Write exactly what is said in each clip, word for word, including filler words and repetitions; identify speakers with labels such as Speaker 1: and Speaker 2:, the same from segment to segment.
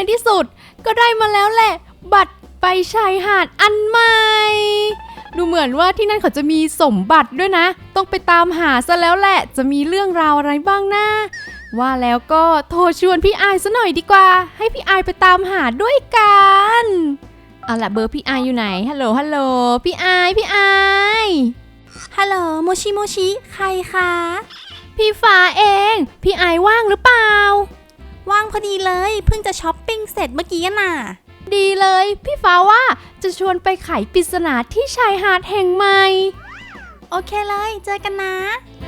Speaker 1: ที่สุดก็ได้มาแล้วแหละบัตรไปชายหาดอันใหม่ดูเหมือนว่าที่นั่นเขาจะมีสมบัติด้วยนะต้องไปตามหาซะแล้วแหละจะมีเรื่องราวอะไรบ้างนะว่าแล้วก็โทรชวนพี่อายซะหน่อยดีกว่าให้พี่อายไปตามหาด้วยกันเอาล่ะเบอร์พี่อายอยู่ไหนฮัลโหลฮัลโหลพี่อายพี่อาย
Speaker 2: ฮัลโหลโมชิโมชิใครคะ
Speaker 1: พี่ฟ้าเองพี่อายว่างหรือเปล่า
Speaker 2: ว่างพอดีเลยเพิ่งจะช้อปปิ้งเสร็จเมื่อกี้น่ะ
Speaker 1: ดีเลยพี่ฟ้าว่าจะชวนไปไขปริศนาที่ชายหาดแห่งใหม่
Speaker 2: โอเคเลยเจอกันนะ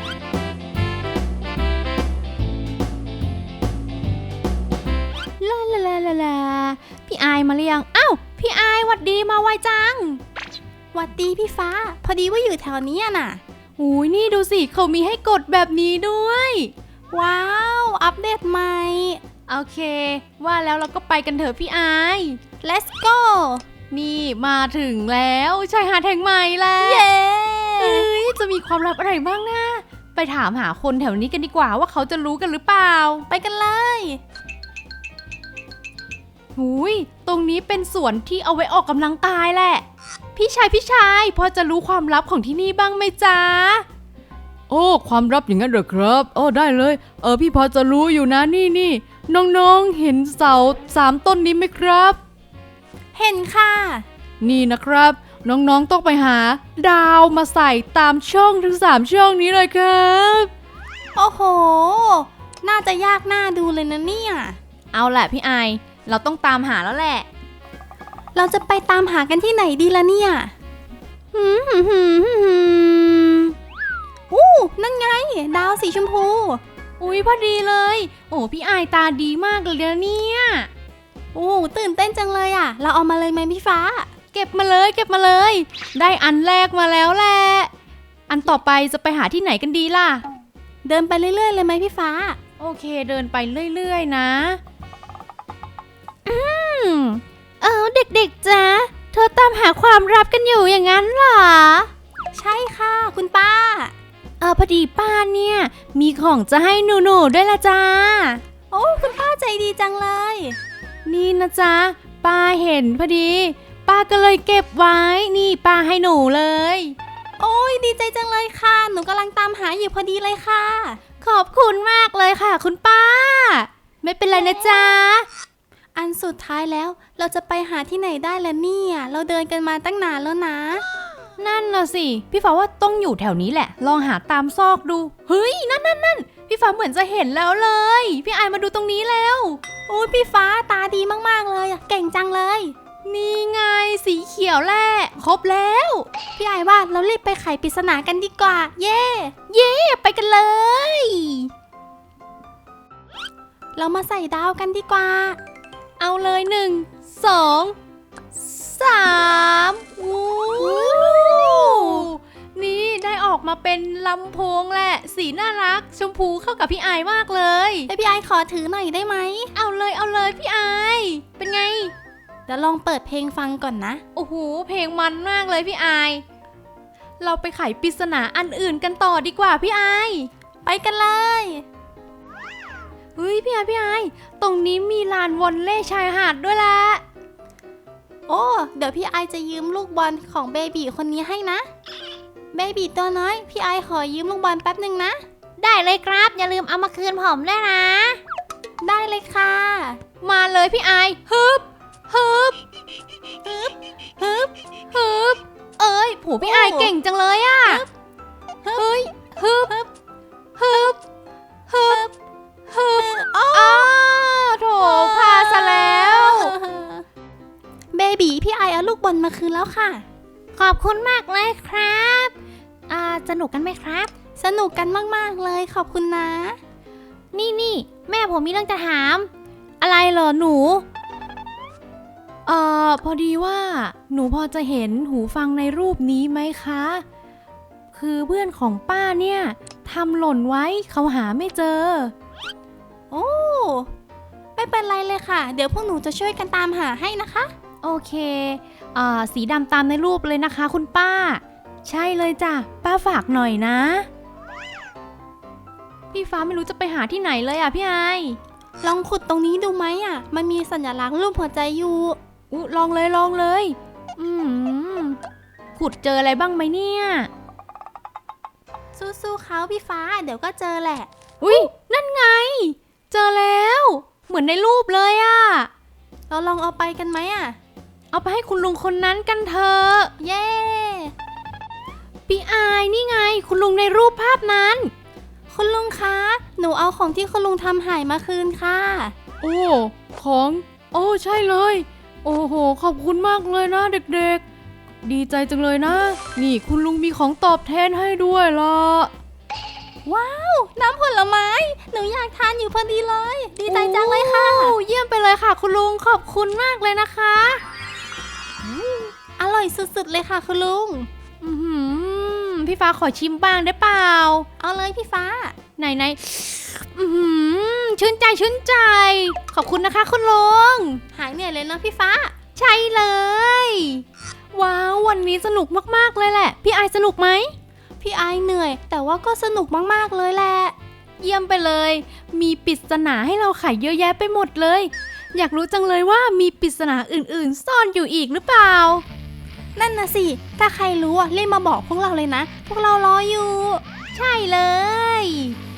Speaker 1: ลาลาลาลาลาพี่อายมาเรียงอ้าวพี่อายหวัดดีมาไวจัง
Speaker 2: หวัดดีพี่ฟ้าพอดีว่าอยู่แถวนี้น่ะ
Speaker 1: หูยนี่ดูสิเขามีให้กดแบบนี้ด้วย
Speaker 2: ว้าวอัปเดตใหม่
Speaker 1: โอเคว่าแล้วเราก็ไปกันเถอะพี่อาย
Speaker 2: let's go
Speaker 1: นี่มาถึงแล้วชายหาดแห่งใหม่แล้ว
Speaker 2: เย้
Speaker 1: เอ้ยจะมีความลับอะไรบ้างนะไปถามหาคนแถวนี้กันดีกว่าว่าเขาจะรู้กันหรือเปล่า
Speaker 2: ไปกันเลย
Speaker 1: หูยตรงนี้เป็นสวนที่เอาไว้ออกกำลังกายแหละพี่ชายพี่ชายพอจะรู้ความลับของที่นี่บ้างไหมจ๊ะโอ้ความลับอย่างนั้นเหรอครับโอ้ได้เลยเออพี่พอจะรู้อยู่นะนี่นี่น้องๆเห็นเสาสามต้นนี้ไหมครับ
Speaker 2: เห็นค่ะ
Speaker 1: นี่นะครับน้องๆต้องไปหาดาวมาใส่ตามช่องทั้งสามช่องนี้เลยครับ
Speaker 2: โอ้โหน่าจะยากน่าดูเลยนะเนี่ย
Speaker 1: เอาแหละพี่ไอเราต้องตามหาแล้วแหละ
Speaker 2: เราจะไปตามหากันที่ไหนดีล่ะเนี่ยหืมหืมหืมหืมอู้นั่นไงดาวสีชมพู
Speaker 1: อุ๊ยพอดีเลยโอ้พี่ไอตาดีมากเลยนะเนี่ย
Speaker 2: โอ้ตื่นเต้นจังเลยอ่ะเราเอามาเลยไหมพี่ฟ้า
Speaker 1: เก็บมาเลยเก็บมาเลยได้อันแรกมาแล้วแหละอันต่อไปจะไปหาที่ไหนกันดีล่ะ
Speaker 2: เดินไปเรื่อยๆเลยไหมพี่ฟ้า
Speaker 1: โอเคเดินไปเรื่อยๆนะอืมเออเด็กๆจ๊ะเธอตามหาความลับกันอยู่อย่างนั้นเหรอ
Speaker 2: ใช่ค่ะคุณป้า
Speaker 1: เออพอดีป้าเนี่ยมีของจะให้หนูๆด้วยละจ้า
Speaker 2: โอ้คุณป้าใจดีจังเลย
Speaker 1: นี่นะจ๊ะป้าเห็นพอดีป้าก็เลยเก็บไว้นี่ป้าให้หนูเลย
Speaker 2: โอ้ยดีใจจังเลยค่ะหนูกำลังตามหาอยู่พอดีเลยค่ะ
Speaker 1: ขอบคุณมากเลยค่ะคุณป้าไม่เป็นไรนะจ๊ะ
Speaker 2: อันสุดท้ายแล้วเราจะไปหาที่ไหนได้ล่ะเนี่ยเราเดินกันมาตั้งนานแล้วนะ
Speaker 1: นั่นน่ะสิพี่ฟ้าว่าต้องอยู่แถวนี้แหละลองหาตามซอกดูเฮ้ยนั่นนั่นนั่นพี่ฟ้าเหมือนจะเห็นแล้วเลยพี่ไอมาดูตรงนี้แล้ว
Speaker 2: โอ้ยพี่ฟ้าตาดีมากๆเลยเก่งจังเลย
Speaker 1: นี่ไงสีเขียวแหละครบแล้ว
Speaker 2: พี่ไอว่าเรารีบไปไขปริศนากันดีกว่าเย่
Speaker 1: เย่ไปกันเลย
Speaker 2: เรามาใส่ดาวกันดีกว่า
Speaker 1: เอาเลยหนึ่งสองสามวู้นี่ได้ออกมาเป็นลำโพงแหละสีน่ารักชมพูเข้ากับพี่ไอมากเลย
Speaker 2: แต่พี่ไอขอถือหน่อยได้ไหม
Speaker 1: เอาเลยเอาเลยพี่ไอเป็นไง
Speaker 2: เดี๋ยวลองเปิดเพลงฟังก่อนนะ
Speaker 1: โอ้โหเพลงมันมากเลยพี่ไอเราไปไขปริศนาอันอื่นกันต่อดีกว่าพี่ไอ
Speaker 2: ไปกันเลย
Speaker 1: เฮ้ยพี่ไอพี่ไอตรงนี้มีลานวอลเลย์ชายหาดด้วยละ
Speaker 2: โอ้เดี๋ยวพี่ไอจะยืมลูกบอลของเบบีคนนี้ให้นะเบบีตัวน้อยพี่ไอขอยืมลูกบอลแป๊บนึงนะ
Speaker 1: ได้เลยครับอย่าลืมเอามาคืนผมด้วยนะ
Speaker 2: ได้เลยค่ะ
Speaker 1: มาเลยพี่ไอฮึบฮึบ
Speaker 2: ฮึบฮึบ
Speaker 1: ฮึบเอ้ยโหพี่ไอเก่งจังเลยอ่ะเฮ้ยฮึบฮึบฮึบฮึบอ้าวโถพาซะแล้ว
Speaker 2: เบบีพี่ไอเอาลูกบอลมาคืนแล้วค่ะ
Speaker 1: ขอบคุณมากเลยครับอ่าสนุกกันไหมครับ
Speaker 2: สนุกกันมากๆเลยขอบคุณนะ
Speaker 1: นี่นี่แม่ผมมีเรื่องจะถามอะไรเหรอหนูเอ่อพอดีว่าหนูพอจะเห็นหูฟังในรูปนี้ไหมคะคือเพื่อนของป้าเนี่ยทำหล่นไว้เขาหาไม่เจอ
Speaker 2: โอ้ไม่เป็นไรเลยค่ะเดี๋ยวพวกหนูจะช่วยกันตามหาให้นะคะ
Speaker 1: โอเคอ่าสีดำตามในรูปเลยนะคะคุณป้าใช่เลยจ้ะป้าฝากหน่อยนะพี่ฟ้าไม่รู้จะไปหาที่ไหนเลยอ่ะพี่ไอ
Speaker 2: ลองขุดตรงนี้ดูไหมอ่ะมันมีสัญลักษณ์รูปหัวใจอยู่
Speaker 1: อุ๊ลองเลยลองเลย อืมขุดเจออะไรบ้างไหมเนี่ย
Speaker 2: สู้ๆเขาพี่ฟ้าเดี๋ยวก็เจอแหละ
Speaker 1: อุ๊ยนั่นไง เจอแล้ว เหมือนในรูปเลยอะ
Speaker 2: เราลองเอาไปกันไหมอ่ะ
Speaker 1: เอาไปให้คุณลุงคนนั้นกันเถอะ
Speaker 2: เย้
Speaker 1: พี่อายนี่ไง คุณลุงในรูปภาพนั้น
Speaker 2: คุณลุงคะหนูเอาของที่คุณลุงทำหายมาคืนค่ะ
Speaker 1: โอ้ของโอ้ใช่เลยโอ้โหขอบคุณมากเลยนะเด็กๆดีใจจังเลยนะนี่คุณลุงมีของตอบแทนให้ด้วยล่ะ
Speaker 2: ว้าวน้ำผลไม้หนูอยากทานอยู่พอดีเลยดีใจจังเลยค่ะ
Speaker 1: โอ้เยี่ยมไปเลยค่ะคุณลุงขอบคุณมากเลยนะคะ
Speaker 2: อร่อยสุดๆเลยค่ะคุณลุง
Speaker 1: อือหือพี่ฟ้าขอชิมบ้างได้เปล่า
Speaker 2: เอาเลยพี่ฟ้า
Speaker 1: ไหนไหนอือหือชื่นใจชื่นใจ ขอบคุณนะคะคุณลุง
Speaker 2: หายเหนื่อยเลยนะพี่ฟ้า
Speaker 1: ใช่เลยว้าววันนี้สนุกมากๆเลยแหละพี่ไอสนุกไหม
Speaker 2: พี่ไอเหนื่อยแต่ว่าก็สนุกมากๆเลยแหละ
Speaker 1: เยี่ยมไปเลยมีปริศนาให้เราไขเยอะแยะไปหมดเลยอยากรู้จังเลยว่ามีปริศนาอื่นๆซ่อนอยู่อีกหรือเปล่า
Speaker 2: นั่นนะสิถ้าใครรู้อ่ะรีบมาบอกพวกเราเลยนะพวกเรารออยู่
Speaker 1: ใช่เลย